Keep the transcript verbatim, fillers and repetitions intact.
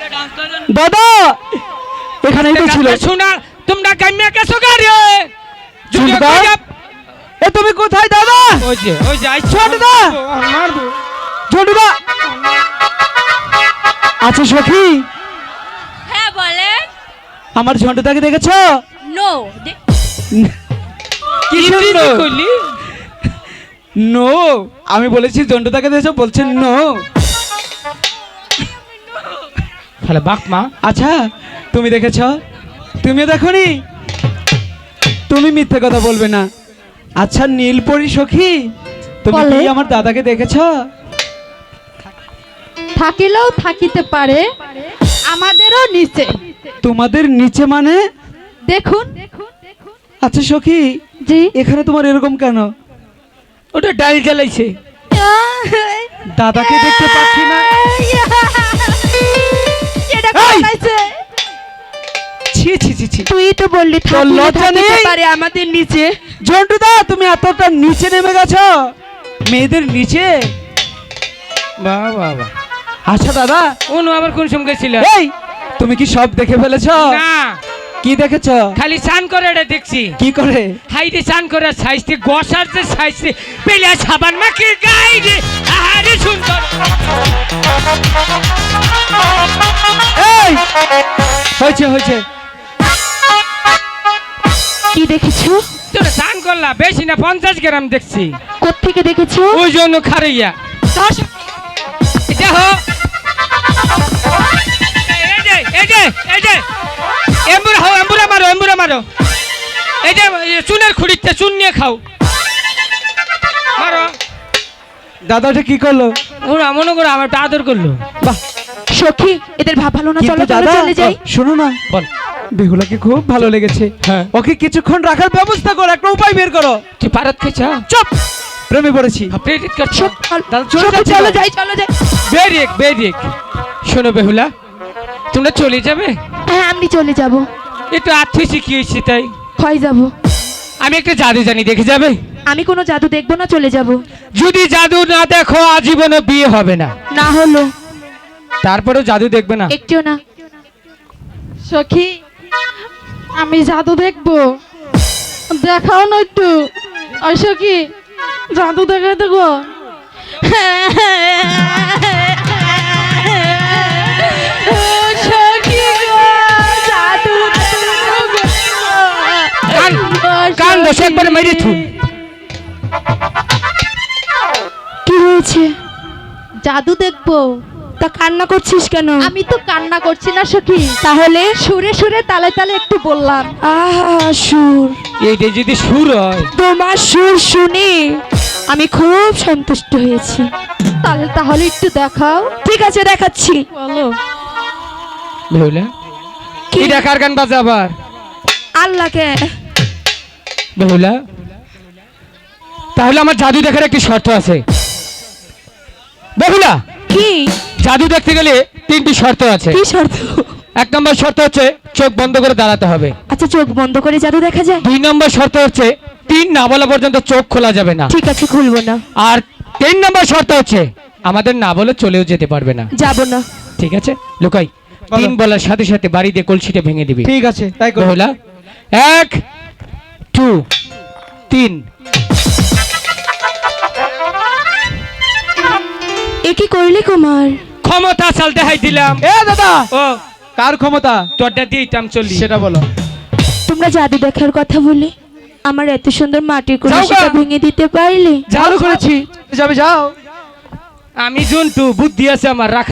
দাদা এখানেই তো ছিল। শোনা তোমরা কামিয়া কেছো গাড়ি ঝন্টুদা এ তুমি কোথায় দাদা? ওই যে ওই যে আইছো ঝন্টুদা মারবো ঝন্টুদা আচ্ছা সখী হ্যাঁ বলেন। আমার ঝন্টুদাকে দেখেছো? নো। কি শুনলো? কইলি নো আমি বলেছি ঝন্টুদাকে দেখেছো, বলছেন নো। তাহলে বাক মা আচ্ছা তুমি দেখেছো? তুমিও দেখোনি? তুমি মিথ্যে কথা বলবে না। আচ্ছা নীলপরি সখী তুমি কি আমার দাদাকে দেখেছো? থাকিলেও থাকিতে পারে, আমাদেরও নিচে। তোমাদের নিচে মানে? দেখুন। আচ্ছা সখী জি এখানে তোমার এরকম কেন? ওটা ডাল জ্বালাইছে। দাদাকে দেখতে পাচ্ছি না। এটা এই! কোথায়? ছি ছি ছি ছি তুই তো বললি তোর থাকিলে লজ্জা থাকিতে নেই? পারে আমাদের নিচে। ঝন্টুদা তুমি এতটা নিচে নেমে গেছো মেয়েদের নিচে? বাহ বাহ বাহ। আচ্ছা দাদা অনু আবার কোন সময় গেছিল? এই তুমি কি সব দেখে ফেলেছো? না কি দেখেছো? খালি চান করে এটা দেখছি। কি করে? হাইরে চান করে সাইজতে গসার যে সাইজতে পেলিয়া সাবান মাকে গাই রে আহারে সুন্দর। এই হয়েছে হয়েছে কি দেখেছো? তোরা চান করলা বেশি না পঞ্চাশ গ্রাম দেখছি। কোত্থেকে দেখেছো? ওই জন্য খারাইয়া দেখো এই যে এই যে এই যে এম্বুরা হও এম্বুরা মারো এম্বুরা মারো এই যে চুনের খুঁড়িতে চুন নিয়ে খাও মারো। দাদাটা কি করলো? ওরা মনে করো আমার আদর করলো। বাহ সখী এদের ভাব ভালো না, চলো কিন্তু চলো দাদা চলে যাই। শোনো না বল বেহুলাকে খুব ভালো লেগেছে। হ্যাঁ। ওকে কিছুক্ষণ রাখার ব্যবস্থা করো, একটা উপায় বের করো। তুই পারত খেয়েছা চুপ প্রেমে পড়েছি। প্রেরিত করছো দাদা চলে সখী, যাচ্ছি চলো তো। যাই চলো যাই। বেরিক বেরিক শোনো বেহুলা তোমরা চলে যাবে? হ্যাঁ আমি চলে যাব। একটু আর্থিক শিখি হয়েছি তাই হয় যাব। আমি একটা জাদু জানি দেখে যাবে? আমি কোনো জাদু দেখবো না, চলে যাব। যদি জাদু না দেখো আজীবনে বিয়ে হবে না। না হলো তারপরেও জাদু দেখবে না? একটিও না। সখী আমি জাদু দেখবো, দেখাও না একটু। ওই সখী জাদু দেখে দেখো। সখী গো, জাদু দেখবো। কান- কান বসে একবারে মেরে থুন। কি হয়েছে? জাদু দেখবো। তা কান্না করছিস কেন? আমি তো কান্না করছি না সখী। তাহলে সুরে সুরে তালে তালে একটু বললাম। আহা সুর, এইটা যদি সুর হয় তোমার সুর শুনে আমি খুব সন্তুষ্ট হয়েছি। তাহলে তাহলে একটু দেখাও। ঠিক আছে দেখাচ্ছি। বলো। বেহুলা কি? কি দেখার গান বাজে আবার? আল্লাহকে। বেহুলা তাহলে আমার জাদু দেখার একটি শর্ত আছে। বেহুলা কি? জাদু দেখতে গেলে তিনটি শর্ত আছে। কি শর্ত? এক নম্বর শর্ত হচ্ছে চোখ বন্ধ করে দাঁড়াতে হবে। আচ্ছা চোখ বন্ধ করে জাদু দেখা যায়? দুই নম্বর শর্ত হচ্ছে তিন না বলা পর্যন্ত চোখ খোলা যাবে না। ঠিক আছে খুলবো না। আর তিন নম্বর শর্ত হচ্ছে আমাদের না বলে চলেও যেতে পারবে না। যাব না। ঠিক আছে লুকাই তিন বলার সাথে সাথে বাড়ি দিয়ে কলসিটা ভেঙে দিবি। ঠিক আছে তাই করো। বেহুলা এক টু তিন। এ কি করলি কুমার? ক্ষমতা চাল দেখাই দিলাম। এ দাদা ও কার ক্ষমতা তোরটা দিতাম চল্লিশ। সেটা বলো। তোমরা জাদু দেখার কথা বলে আমার এত সুন্দর মাটির যাও গা। কলসিটা ভেঙে দিতে পারলে? চালু করেছি যাবে যাও। আমি জন্তু বুদ্ধি আছে আমার রাখ